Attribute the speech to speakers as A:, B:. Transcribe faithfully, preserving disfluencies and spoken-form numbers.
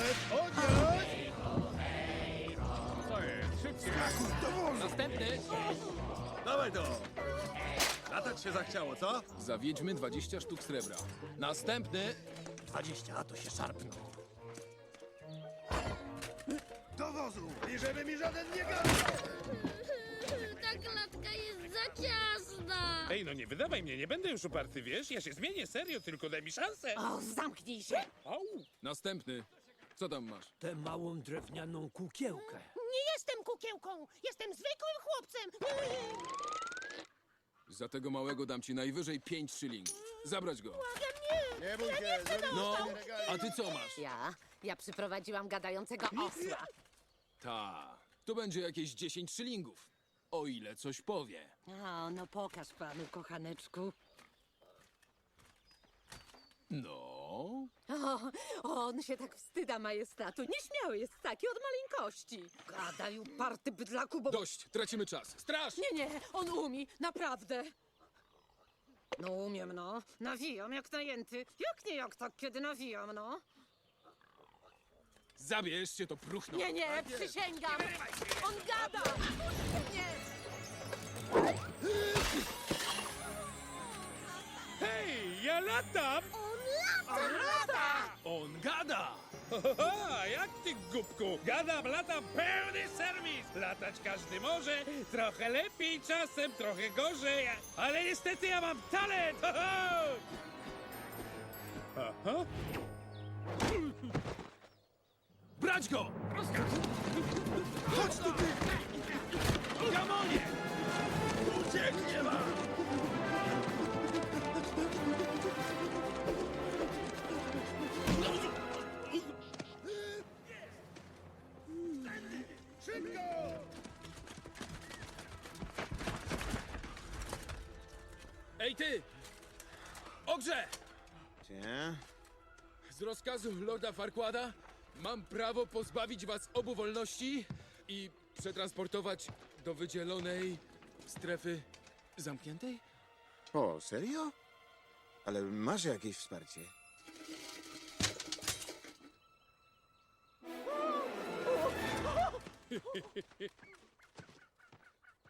A: Odjąć, odjąć!
B: Co jest? Szybciej!
C: Następny!
A: Dawaj to! Latać się zachciało, co?
C: Zawiedźmy dwadzieścia sztuk srebra. Następny!
A: Dwadzieścia, to się szarpną. Do wozu! Bierzemy mi żaden nie gada!
D: Ta klatka jest za ciasna.
B: Ej, no nie wydawaj mnie, nie będę już uparty, wiesz? Ja się zmienię, serio, tylko daj mi szansę.
E: O, zamknij się!
B: Au!
C: Następny! Co tam masz?
F: Tę małą drewnianą kukiełkę.
E: Nie jestem kukiełką! Jestem zwykłym chłopcem!
C: Za tego małego dam ci najwyżej pięć szylingów. Zabrać go.
A: Nie bój się, zrobimy
C: No,
A: sobie regały.
C: a ty co masz?
E: Ja? Ja przyprowadziłam gadającego osła.
C: Ta, to będzie jakieś dziesięć szylingów. O ile coś powie.
E: O, no pokaż panu, kochaneczku.
C: No,
E: O, on się tak wstyda majestatu. Nieśmiały jest taki od maleńkości. Gadaj, uparty bydlaku, bo...
C: dość, tracimy czas. Straż!
E: Nie, nie, on umie, naprawdę. No umiem, no. Nawijam jak najęty. Jak nie jak tak, kiedy nawijam, no.
C: Zabierz się to próchno.
E: Nie, nie, przysięgam. On gada. Nie.
B: Hej, ja latam!
C: On gada!
B: Haha, jak ty, głupku? Gadam, latam, pełny serwis! Latać każdy może, trochę lepiej czasem, trochę gorzej, ale niestety ja mam talent! Ho, ho! Aha.
C: Brać go! Chodź tu, ty! Gamonie!
A: Ucieknie wam! Szybko!
C: Ej, ty! Ogrze!
A: Cie?
C: Z rozkazu Lorda Farquada mam prawo pozbawić was obu wolności i przetransportować do wydzielonej strefy zamkniętej?
A: O, serio? Ale masz jakieś wsparcie?